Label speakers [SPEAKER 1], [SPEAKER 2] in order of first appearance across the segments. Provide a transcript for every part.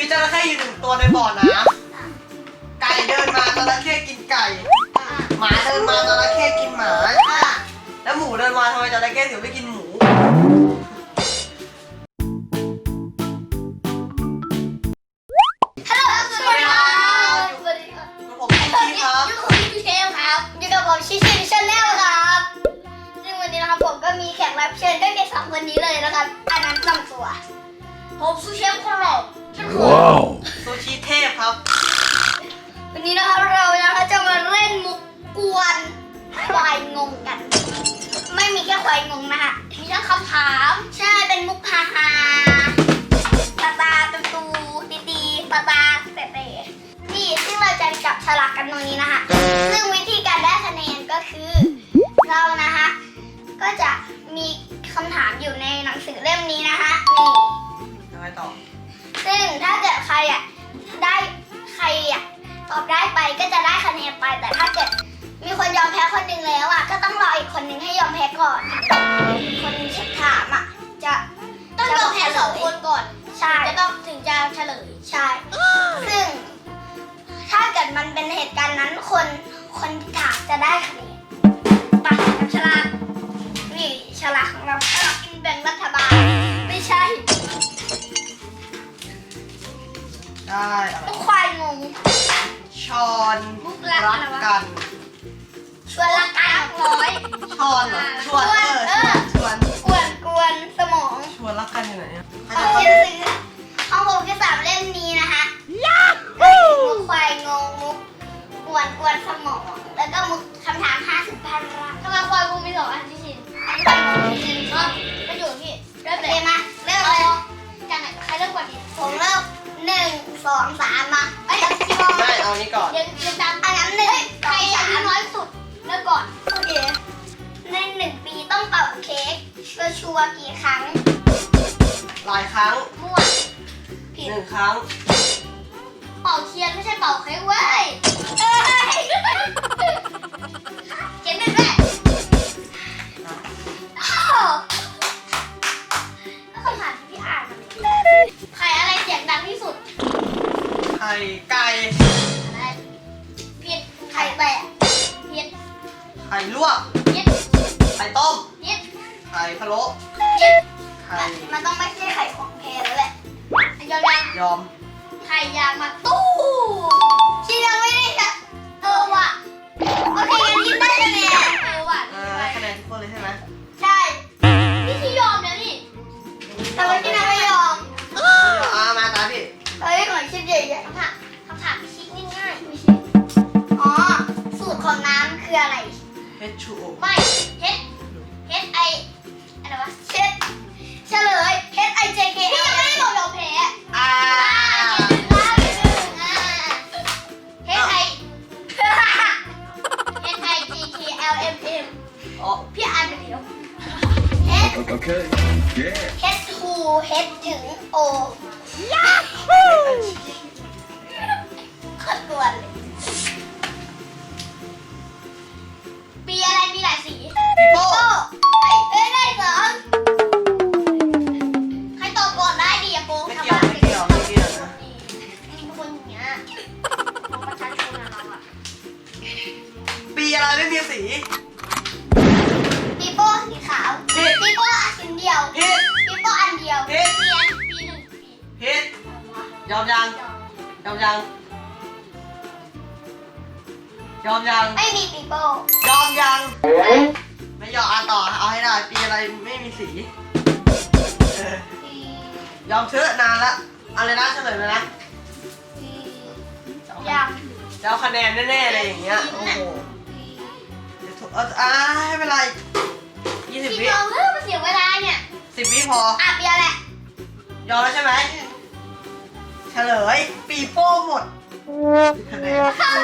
[SPEAKER 1] จระเข้อยู่1 ตัวในบ่อน้ำไก่เดินมาจระเข้กินไก่หมาเดินมาจระเข้กินหมาแล้วหมูเดินมาทำไมจระเข้ถึงไม่กินหมู
[SPEAKER 2] ฮัลโหลสวัสดีครับสวัสดีครับ
[SPEAKER 1] ผมชิคกี้ครับ
[SPEAKER 2] อยู่กับพี่เชฟครับอยู่กับผมชิคกี้ชาแนลครับซึ่งวันนี้นะครับผมก็มีแขกรับเชิญด้วยกัน2 คนนี้เลยนะครับอันนั้น2 ตัวผมซูเชฟคนหล่อ
[SPEAKER 3] ว้าว
[SPEAKER 1] ซูชิเทพครับ
[SPEAKER 2] วันนี้นะครับเราจะมาเล่นมุกกวนควายงงกันไม่มีแค่ควายงงนะฮะมีทั้งคำถามใช่เป็นมุกฮาฮาตาตาตูตีตีตาตาเตะนี่ซึ่งเราจะจับฉลากกันตรงนี้นะฮะซึ่งวิธีการได้คะแนนก็คือเรานะฮะก็จะมีคำถามอยู่ในหนังสือเล่มนี้นะฮะนี่
[SPEAKER 1] ยังไงต่อ
[SPEAKER 2] ซึ่งถ้าเกิดใครตอบได้ไปก็จะได้คะแนนไปแต่ถ้าเกิดมีคนยอมแพ้คนหนึ่งแล้วก็ต้องรออีกคนหนึ่งให้ยอมแพ้ก่อนคนถามจะต้องยอมแพ้2 คนก่อนใช่จะต้องถึงจะเฉลยใช่ซึ่งถ้าเกิดมันเป็นเหตุการณ์นั้นคนถามจะได้คะแนนไปกับฉลากนี่ฉลากของเราฉลากกินแบ่งรัฐบาลไม่ใช่
[SPEAKER 1] ได้อะไร
[SPEAKER 2] ควายงง
[SPEAKER 1] ชอนรักกัน
[SPEAKER 2] ชวนรักกัน
[SPEAKER 1] ชอนชวนชวน
[SPEAKER 2] กวนสมอง
[SPEAKER 1] ชวนรักกันอยู่ไหน
[SPEAKER 2] ของผมซื้อของผมคือ3 เล่มนี้นะคะมุกควายงงมุกกวนสมองแล้วก็มุกคำถาม50 พันรักทำไมควายกูมี2 อันที่ชินอันที่1ก็ประโยชน์พี่เริ่มเลยมาเริ่มเลยจากไหนใครเริ่มก่อนดีผมเริ่ม1 2 3มาพี่บอล
[SPEAKER 1] ได้เอานี้ก่อน
[SPEAKER 2] ยังตามอันนั้น1ใครอายุน้อยสุดเริ่มก่อนโอเคใน1 ปีต้องเป่าเค้กชัวร์กี่ครั้ง
[SPEAKER 1] หลายครั้ง
[SPEAKER 2] มั่วผิด
[SPEAKER 1] 1 ครั้ง
[SPEAKER 2] เป่าเทียนไม่ใช่เป่าเค้กเว้ยเขียน1ด้วยก็คำถามที่พี่อ่านมาเลยไข่อะไรเสียงดังที่สุด
[SPEAKER 1] ไข่ไก่
[SPEAKER 2] อะไรผิดไข่แตะผิด
[SPEAKER 1] ไข่ลวก
[SPEAKER 2] ผิด
[SPEAKER 1] ไข่ต้ม
[SPEAKER 2] ผิด
[SPEAKER 1] ไข่พะโล้
[SPEAKER 2] ผิด
[SPEAKER 1] ไข่
[SPEAKER 2] มันต้องไม่ใช่ไข่ของแพรแล้วแหละ
[SPEAKER 1] ยอม
[SPEAKER 2] ไข่ยางมาตู้ที่ยังไม่ได้จะว่ะโอเคงั้นยิ้มได้คะแนนว่ะ
[SPEAKER 1] คะแนนทุกคนเลยใช่ไหม
[SPEAKER 2] ใช่พี่ที่ยอมแล้วนี่แต่ว่าที่นั่นไม่ยอม
[SPEAKER 1] มาตาพี่
[SPEAKER 2] เฮ้ยหน่อยชิ้นใหญ่ๆคำถามชิ้นง่ายๆไม่ใช่อ๋อสูตรของน้ำคืออะไร
[SPEAKER 1] H2O
[SPEAKER 2] ไม่ Hอะไรวะเฉลย HIJK พี่ยังไม่ได้บอกยอมแพ้HIGKLMM พี่อ่านไปเดี๋ยว H2 H ถึง O ยาฮูขัดตัวเลยปีอะไรมีหลายสี
[SPEAKER 1] ปีโป้
[SPEAKER 2] ได้2ใครตอบก่อนได้ดีอะโก
[SPEAKER 1] ไม่เกี่ยวนะ
[SPEAKER 2] มีคนอย่างเงี้ยประชาชนเราอะ
[SPEAKER 1] ปีอะไรไม่มีสี
[SPEAKER 2] ปีโป้สีขาวปีโป้อันเดียวปีโป้อันเดียวปี1ปี
[SPEAKER 1] ผิดยอมยัง
[SPEAKER 2] ไม่มีปีโป้
[SPEAKER 1] ยอมยังไม่ยอมต่อเอาให้ได้ปีอะไรไม่มีสียอมเชื่อนานละอะไรนะเฉลยเลยนะ
[SPEAKER 2] ยัง
[SPEAKER 1] จะเอาคะแนนแน่ๆเลยอย่างเงี้ยโอ้โหให้เวลา20 วิ
[SPEAKER 2] เพื่อมาเสียเวลาเนี่ย
[SPEAKER 1] 10 วิพอ
[SPEAKER 2] เบียร์แหละ
[SPEAKER 1] ยอมแล้วใช่ไหมเฉลยปีโป้หมดคะแนน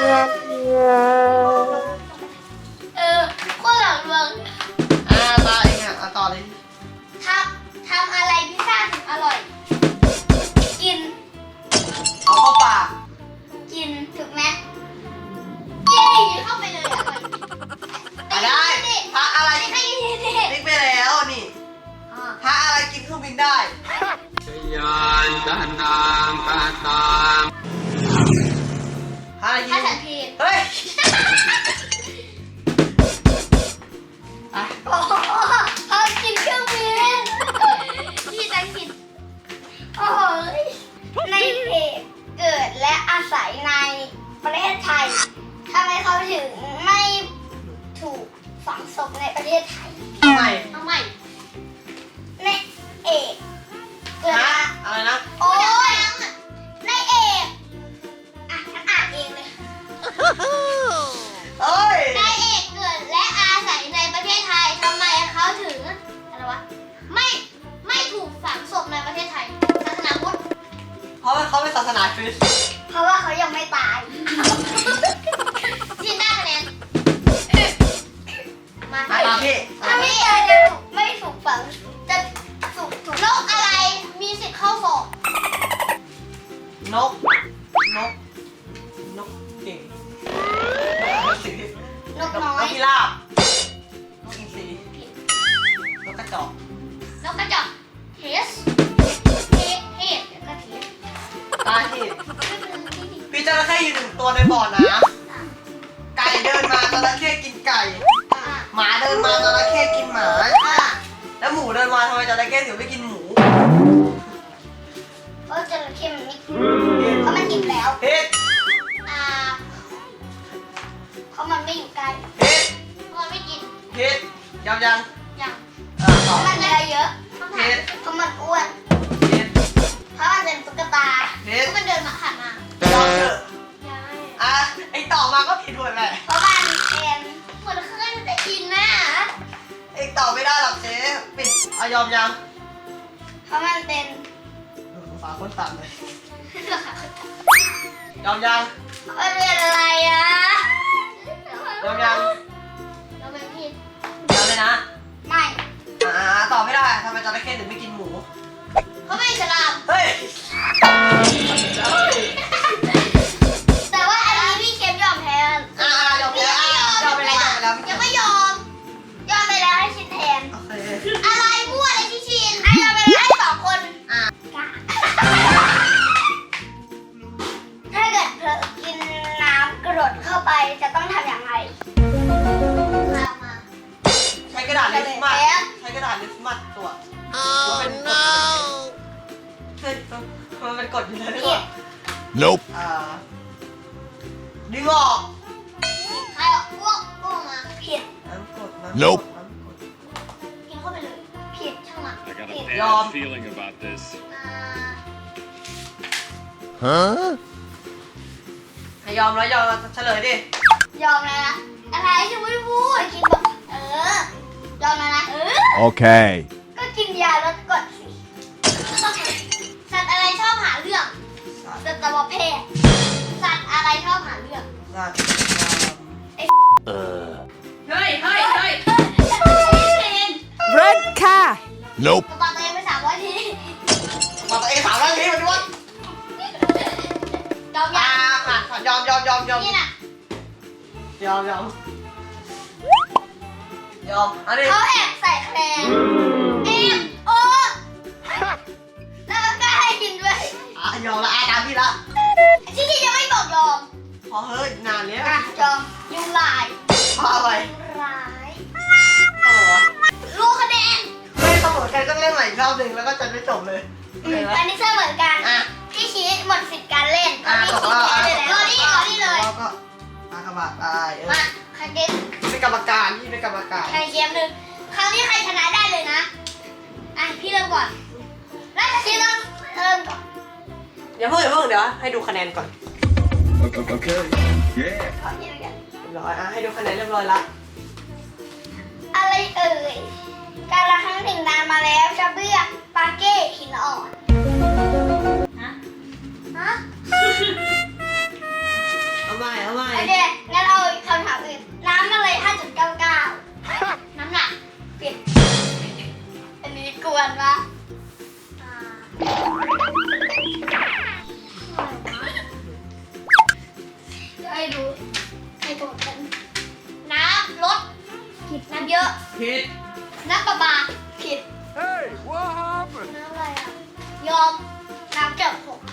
[SPEAKER 2] โคตรหลังเมือง
[SPEAKER 1] ตาเองต่อเลย
[SPEAKER 2] ทำอะไรพิซซ่าถึงอร่อยกิน
[SPEAKER 1] เอาเข้าปาก
[SPEAKER 2] กินถูกไหมกินเข้าไปเลย
[SPEAKER 1] ได้พระอะไร
[SPEAKER 2] ติ๊
[SPEAKER 1] กไปแล้วนี่พระอะไรกินเครื่องบินได้
[SPEAKER 3] ยานตานางตาตา
[SPEAKER 2] ในประเทศไทย
[SPEAKER 1] ทำไม
[SPEAKER 2] เอาใหม่ในเอกเกิด
[SPEAKER 1] ฮะอะไรนะ
[SPEAKER 2] โอ้ยในเอกอ่ะฉันอ่านเองเลย
[SPEAKER 1] เอ้ย
[SPEAKER 2] นายเอกเกิดและอาศัยในประเทศไทยทำไมเขาถึงอะไรวะไม่ถูกฝังศพในประเทศไทยศาสนาพุทธ
[SPEAKER 1] เพราะว่าเขาเป็นศาสนาคริสต์
[SPEAKER 2] เพราะว่าเขายังไม่ตายจินได้คะแนนมา
[SPEAKER 1] มาพี่
[SPEAKER 2] ถ้าไม่ตายจะไม่ถูกฝังจะถูกโรคอะไรมีสิทธิ์เข้าสอบ
[SPEAKER 1] นกเก่งนกสี
[SPEAKER 2] นกน้อย
[SPEAKER 1] นกพิราบนกอินทรีนกกระจอก
[SPEAKER 2] นกกระจอกเทสเทสแล้วก็เทส
[SPEAKER 1] ตาที่พี่จระเข้อยู่หนึ่งตัวในบ่อน้ำไก่เดินมาจระเข้กินไก่ หมาเดินมาจระเข้กินหมา แล้วหมูเดินมาทำไมจระเข้ถึงไม่กินหมู
[SPEAKER 2] เพราะจระเข้มันไม่กินเพราะมันอิ่มแล้ว
[SPEAKER 1] เฮ็ด
[SPEAKER 2] เพราะมันไม่อยู่ใกล้
[SPEAKER 1] เฮ็ด
[SPEAKER 2] เพราะมันไม่กิน
[SPEAKER 1] เฮ็ดยัง
[SPEAKER 2] อย่าง
[SPEAKER 1] เพ
[SPEAKER 2] เพ
[SPEAKER 1] ราะ
[SPEAKER 2] ราะมันเนื้อเยอะ
[SPEAKER 1] เฮ็ด
[SPEAKER 2] เพราะมันอ้วน
[SPEAKER 1] เฮ็ด
[SPEAKER 2] เพราะมันเป็นตุ๊กตา
[SPEAKER 1] เฮ็ด
[SPEAKER 2] เพราะมันเดินมาผ่านมาย
[SPEAKER 1] อมเถอะไอต่อมาก็ผิดหมดแหละ
[SPEAKER 2] เพราะมันเป็นคนเคลื่อนจะกินน่ะ
[SPEAKER 1] ไอต่อไม่ได้หรอกเจ๊ปิดเอายอมยัง
[SPEAKER 2] เพราะมันเป็น
[SPEAKER 1] ฝาคนต่ำเลยยอมยัง
[SPEAKER 2] มันเป็นอะไรอ่ะ
[SPEAKER 1] ยอมยัง
[SPEAKER 2] เราเป็นผิด
[SPEAKER 1] ยอมเลยนะ
[SPEAKER 2] ไม่
[SPEAKER 1] ตอบไม่ได้ทำไมจระเข้ถึงไม่กินหมู
[SPEAKER 2] เขาไม่ฉลาด
[SPEAKER 1] เฮ้ย
[SPEAKER 2] แต่ว่าอันนี้พี่เกมยอมแพ้
[SPEAKER 1] ยอมไปแล้วยอมไปแล้ว
[SPEAKER 2] ยังไม่ยอมไปแล้วให้ชินแทน
[SPEAKER 1] โอเค
[SPEAKER 2] อะไรมั่วอะไรพี่ชินยอมไปแล้วให้2 คนถ้าเกิดเธอกินน้ำกรดเข้าไปจะต้องทำอย่างไรมา
[SPEAKER 1] ใช้กระดาษลิปมัดใช้กระดาษลิปมัดตัวเป็นกฎเฮ้ยมันเป็นกฎอยู่แล้วนี่หว่า
[SPEAKER 3] Nope.
[SPEAKER 1] ดึงออก
[SPEAKER 2] ใครเอาพวกมาผิด
[SPEAKER 1] น้ำกด
[SPEAKER 3] Nope
[SPEAKER 2] กินเข้าไปเลยผิดช่างมัน
[SPEAKER 4] I got a
[SPEAKER 2] ผิด
[SPEAKER 4] bad feeling about this.
[SPEAKER 3] Huh?
[SPEAKER 1] ให้ยอมแล้วยอมเฉลยดิ
[SPEAKER 2] ยอมแล้วนะอะไรจะไม่พูดกินแบบยอมแล้วนะ
[SPEAKER 3] Okay.
[SPEAKER 2] ก็กินยาลดกรดสิสัตว์อะไรชอบหาเรื่องสัตวแพทย์สัตว์อะไรชอบหาเรื่อง
[SPEAKER 1] สัตว์
[SPEAKER 2] เฮ้ย
[SPEAKER 5] Red car.
[SPEAKER 3] Nope.
[SPEAKER 2] กระเป๋าตัวเองไป300 ที
[SPEAKER 1] มาตัวเองถามเรื่องนี้มาด้วย
[SPEAKER 2] ยอมยัง
[SPEAKER 1] ผ่านยอม
[SPEAKER 2] นี่น่ะ
[SPEAKER 1] ยอมอันนี้
[SPEAKER 2] เขาแอบใส่คะแนนแอบโอ้แล้วก็กล้าให้กินด้วย
[SPEAKER 1] ยอมละตามพี่ละ
[SPEAKER 2] ที่ที่ยังไม่บอกยอม
[SPEAKER 1] พอเฮ้ยนานแล้ว
[SPEAKER 2] ยอมยุงลาย
[SPEAKER 1] พาไป
[SPEAKER 2] ยุงร้าย
[SPEAKER 1] เออ
[SPEAKER 2] รู้คะแนน
[SPEAKER 1] ไม่เสมอกันก็เล่นใหม่อีกรอบหนึ่งแล้วก็จะไม่จบเลยเห็นไหม
[SPEAKER 2] อันนี้เสมอกัน พี่ชี้หมดสิทธิ์การเล่นพี่ชี้แพ้เลยแล้วนี่เลย
[SPEAKER 1] แล้วก็อากบาทไป
[SPEAKER 2] มาใครเกม
[SPEAKER 1] เป็นกรรมการที่เป็นกรรมการ
[SPEAKER 2] ใครเกมหนึ่งครั้งนี้ใครชนะได้เลยนะพี่เริ่มก่อนแล้วพี่เริ่มก่อน
[SPEAKER 1] อย่าเพิ่งเดี๋ยวให้ดูคะแนนก่อน
[SPEAKER 3] Okay. Yeah.
[SPEAKER 1] เรียบร้อยให้ดูคะแนนเรียบร้อยละ
[SPEAKER 2] อะไรเอ่ยการละครั้งหนึ่งนานมาแล้วชาเบื้อกปาเก้หินอ่อนฮะ
[SPEAKER 1] เอาใหม่
[SPEAKER 2] โอเคงั้นเอาคำถามอื่นน้ำอะไร 5.99 น้ำหนักผิดอันนี้กวนปะจะให้ดูให้ตรงกันน้ำลดผิดน้ำเยอะ
[SPEAKER 1] ผิด
[SPEAKER 2] น้ำประปาผิด
[SPEAKER 3] Hey, what happened?
[SPEAKER 2] น้ำอะไรอ่ะ ยอม น้ำเจ็บผม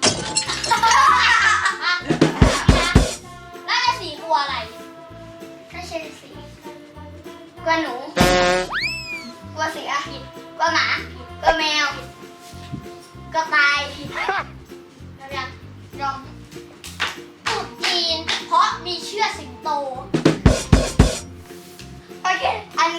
[SPEAKER 2] แล้วจะสีกลัวอะไรถ้าใช่สีกลัวหนู กลัวเสือผิดกลัวหมา กลัวแมวผิดกลัวตายผิดยอมตรุษจีน เพราะมีเชือกสิงโต โอเค อัน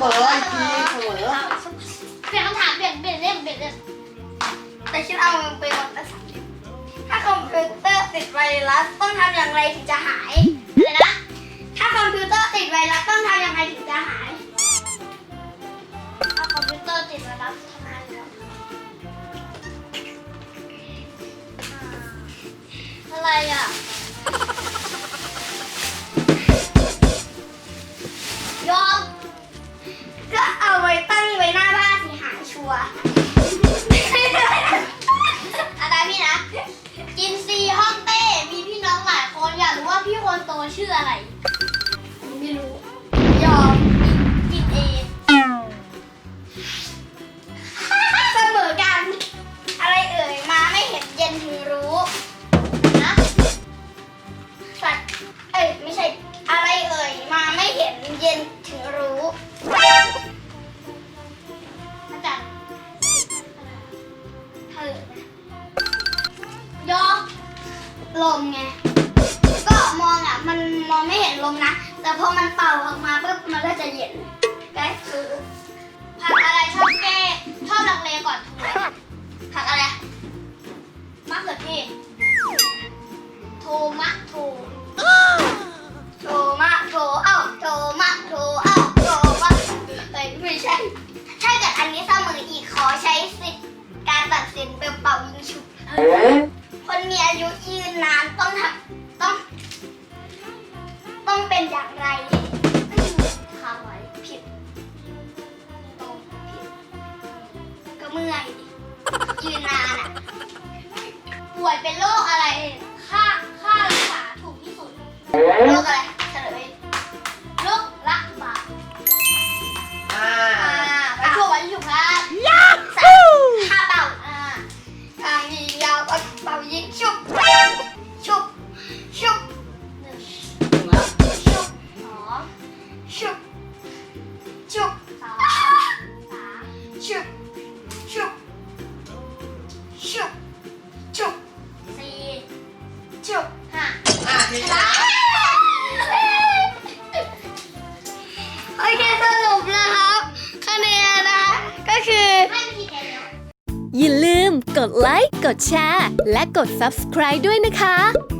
[SPEAKER 1] มออีกทีเสมอ
[SPEAKER 2] เปลี่ยนคำถามเปลี่ยนเล่มแต่ฉันเอามันไปหมดแล้วถ้าคอมพิวเตอร์ติดไวรัสต้องทำอย่างไรถึงจะหายอะไรนะ ถ้าคอมพิวเตอร์ติดไวรัสต้องทำอย่างไรถึงจะหาย ถ้าคอมพิวเตอร์ติดไวรัสทำไงครับอะไรอ่ะ ยอมก็เอาไว้ตั้งไว้หน้าบ้านสิหายชัวร์อะไรพี่นะ จินซีฮ่องเต้มีพี่น้องหลายคนอยากรู้ว่าพี่คนโตชื่ออะไรไม่รู้ ยอมกินเองเสมอกัน อะไรเอ่ยมาไม่เห็นเย็นถึงรู้นะสัตว์ไม่ใช่อะไรเอ่ยมาไม่เห็นเย็นถึงรู้อาจารย์เธอยอมลมไงก็มองอ่ะมันมองไม่เห็นลมนะแต่พอมันเป่าออกมาปุ๊บมันก็จะเย็นก็คือผักอะไรชอบแก้ชอบลังเลก่อนถูกไหมผักอะไรมะเขือเทศโทมะโทโทมะโทเอ้าโทมะโทเอ้าโทมะไม่ใช่ถ้าเกิดอันนี้เสมออีกขอใช้สิทธิ์การตัดสินเป็นเป่ายิงฉุบคนมีอายุยืนนานต้องเป็นอย่างไรคำไว้ผิดตรงผิดก็เมื่อยดิยืนนานอ่ะป่วยเป็นโรคอะไรค่ารักษาถูกที่สุดโรคอะไรเฉลยโรคระบาดไปช่วยวันฉุกครับค่าเป่าทางยิงยาวก็เป่ายิงชุบชุบชุบชุบสองชุบชุบสามชุบชุบชุบชุบสี่ชุบห้า
[SPEAKER 1] ทีชนะ
[SPEAKER 2] โอเคสรุปนะครับคะแนนนะคะก็คือให้มีคะแนน
[SPEAKER 4] อย่าลืมกดไลค์ กดแชร์ และกด subscribe ด้วยนะคะ